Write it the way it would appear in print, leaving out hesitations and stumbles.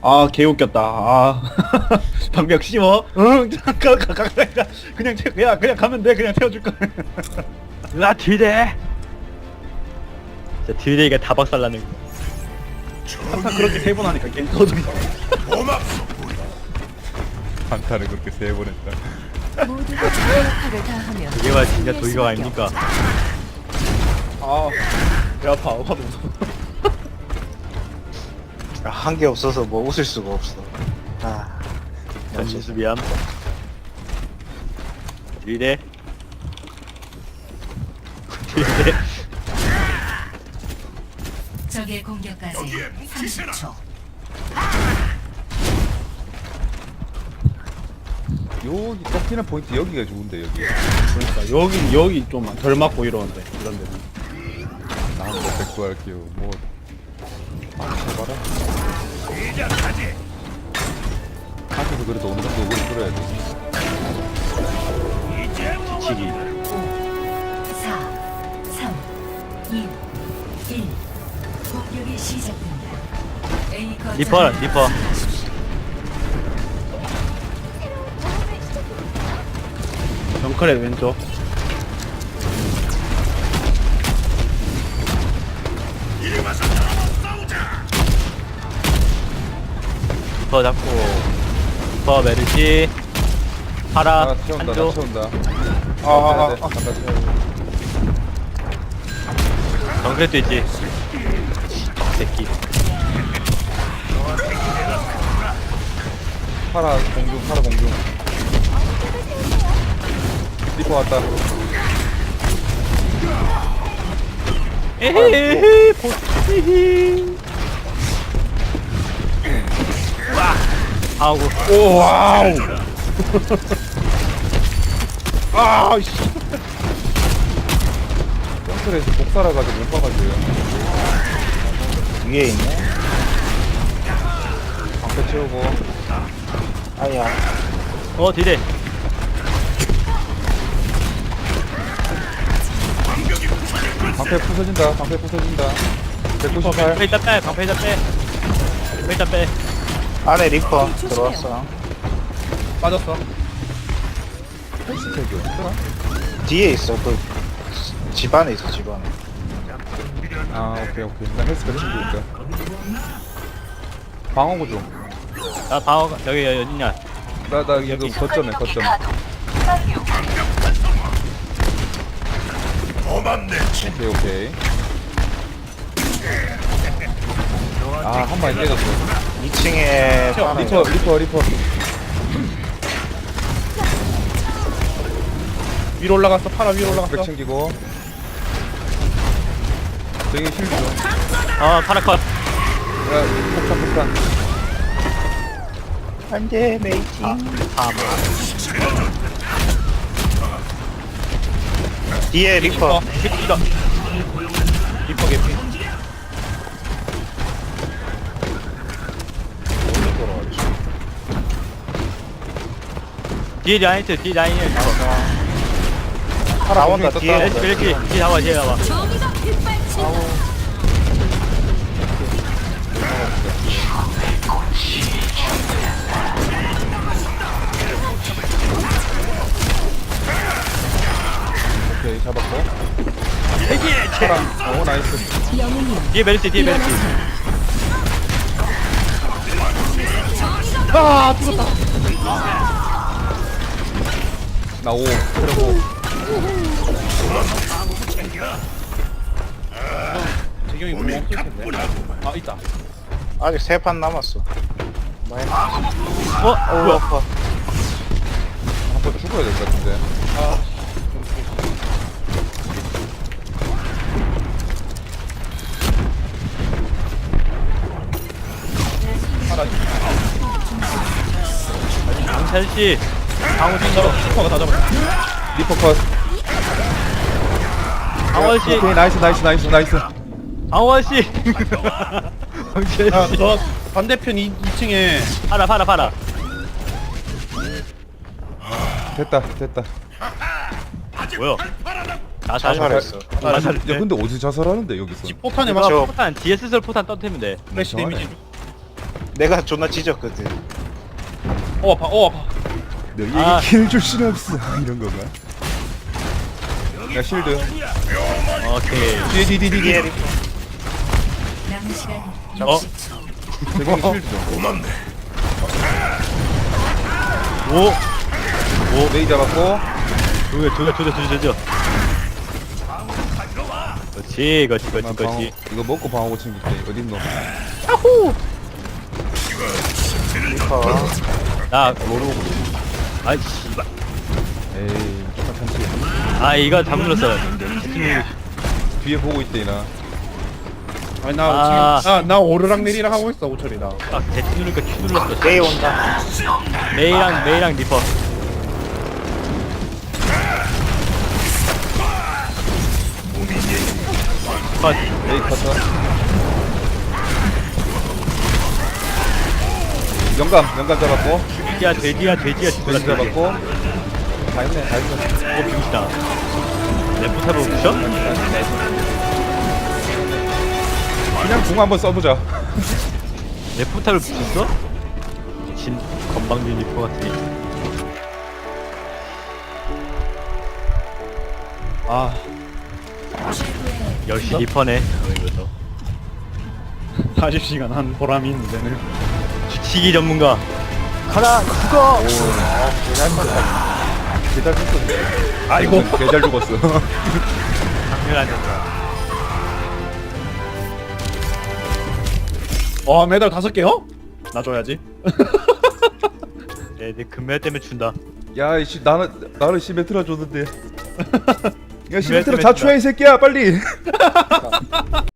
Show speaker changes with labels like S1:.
S1: 아, 개웃겼다. 아, 방벽 씌워. 응, 그냥 그냥 가면 돼. 그냥 태워줄 거.
S2: 으아 딜대. 진짜 딜대기가 다 박살나는 거.
S1: 항상 그렇게 3번 하니까 게임 터집니다.
S3: 한타를 그렇게 3번 했다.
S4: 모두가 자기 역할을 다하며
S2: 이게 말 진짜 도의가 아닙니까?
S1: 아, 배 아파. 화도 무서워.
S5: 한 게 없어서 뭐 웃을 수가 없어. 아,
S2: 전진수 미안. 딜대. 딜대.
S4: 적의 공격까지 30초.
S3: 여기 꺾이는 포인트 여기가 좋은데 여기.
S1: 그러니까 여기 좀 덜 맞고 이러는데 이런 데는.
S3: 나한 번 백구할게요. 뭐. 해봐라. 한테서 그래도 어느 정도 오래 끌어야 돼.
S2: 지치기.
S4: 4, 3, 2, 1. 공격이 시작됩니다. A 거점
S2: 리퍼.
S1: 정크레 왼쪽.
S2: 리퍼 잡고. 리퍼 메르시. 파라.
S3: 나 채운다. 나
S2: 한조.
S3: 채운다.
S1: 아.
S3: 잠깐 채워.
S2: 정크렛도 있지. 새끼.
S3: 파라 공중. 리퍼 왔다.
S2: 에헤헤 보스히히. 하고.
S1: 오, 와우. 아, 씨.
S3: 점프에서 복살아가지고 못 봐가지고요.
S5: 위에 있네.
S3: 방패 채우고.
S5: 아야,
S2: 딜대.
S3: 방패 부서진다. 198.
S2: 방패 일단 빼. 방패 일단 빼.
S5: 안에 리퍼 들어왔어.
S1: 빠졌어.
S3: 헬스팩이 어딨더라?
S5: 뒤에 있어. 그 집안에 있어, 집안에.
S3: 아 오케이. 나 헬스팩 챙기니까. 방어구 좀.
S2: 나 방어 여기 어딨냐?
S3: 나 이거 거점에. 오케이. 아, 한 마리 깨졌어.
S5: 2층에
S3: 리퍼.
S1: 위로 올라갔어. 파라 위로 올라갔어.
S3: 백 챙기고. 저기 힐 좀.
S2: 파라컷.
S3: 야, 폭탄.
S5: 안돼, 메이팅. 뒤에 리퍼.
S2: 새끼가.
S1: 리퍼 개피.
S2: 뒤에 라인트.
S5: 나온다, 뒤에.
S2: 이렇게 뒤에 나와.
S4: 정의가 빗발친다.
S3: 오케이, 잡았고. 파랑. 오, 나이스.
S4: 영웅이여
S2: 뒤에 메르시.
S1: 아, 죽었다.
S3: 나 5. 그리고
S1: 재경이 뭐 없을 텐데. 아, 있다.
S5: 아직 3판 남았어. 많이
S2: 어? 뭐야?
S5: 아파.
S3: 한 번 죽어야 될 것 같은데.
S2: 강찬씨. 방어 좀
S1: 잡아. 슈퍼가 다 잡았어.
S3: 리퍼 컷.
S2: 강원씨.
S3: 오케이, 나이스.
S2: 강원씨.
S1: 야,
S2: 강찬씨.
S1: 저 반대편 2층에
S2: 파라.
S3: 됐다.
S2: 뭐야? 나
S5: 자살했어.
S3: 야, 근데 어디서 자살하는데 여기서?
S1: 포탄에
S2: 이거
S1: 맞춰.
S2: 포탄 DSSR 포탄 떠트리면 돼.
S1: 플래시
S3: 저하네.
S1: 데미지.
S5: 내가 존나 찢었거든.
S1: 아파 아파.
S3: 너희에게
S2: 아.
S3: 킬 줄 수는 없어. 이런 건가? 야 실드.
S2: 오케이.
S3: 뒤에.
S4: 남은 시간
S2: 어?
S4: 60초.
S3: 대공이 실드 좀.
S2: 오.
S3: 메이 잡았고.
S2: 조져. 그렇지.
S3: 방어, 이거 먹고 방어고 챙길게. 어딨노?
S5: 리퍼.
S2: 나 모르고. 아이 씨발.
S3: 에이 조금 참지.
S2: 아 이거 잘못 눌렀어.
S3: 뒤에 보고 있대 나.
S1: 아니
S2: 아.
S1: 나 지금 나 오르락 내리락 하고 있어 오철이 나.
S2: 아 대치 누르니까 Q 눌렀어.
S5: 메이 온다.
S2: 메이랑 리퍼. 컷.
S3: 메이 커터. 영감 잡았고.
S2: 돼지야
S3: 돼지 잡았고. 다 했네.
S2: 오 비웃다. 레프탑을 붙여?
S3: 그냥 궁 한번 써보자.
S2: 레프탑을 붙였어? 진 건방진 리퍼 같으니.
S1: 아
S2: 10시 리퍼네. 이거서
S1: 40시간 한 보람이 있는데는.
S2: 주치기 전문가. 가라 죽어.
S3: 개잘 죽었어.
S1: 아이고.
S3: 개잘 죽었어.
S2: 당연한 전가.
S1: 메달 5개요? 나 줘야지.
S2: 내 금메달 때문에 준다.
S3: 야, 이씨 나를 시메트라 줬는데. 야, 시메트라
S2: 시메트라
S3: 자초해 이 새끼야, 빨리.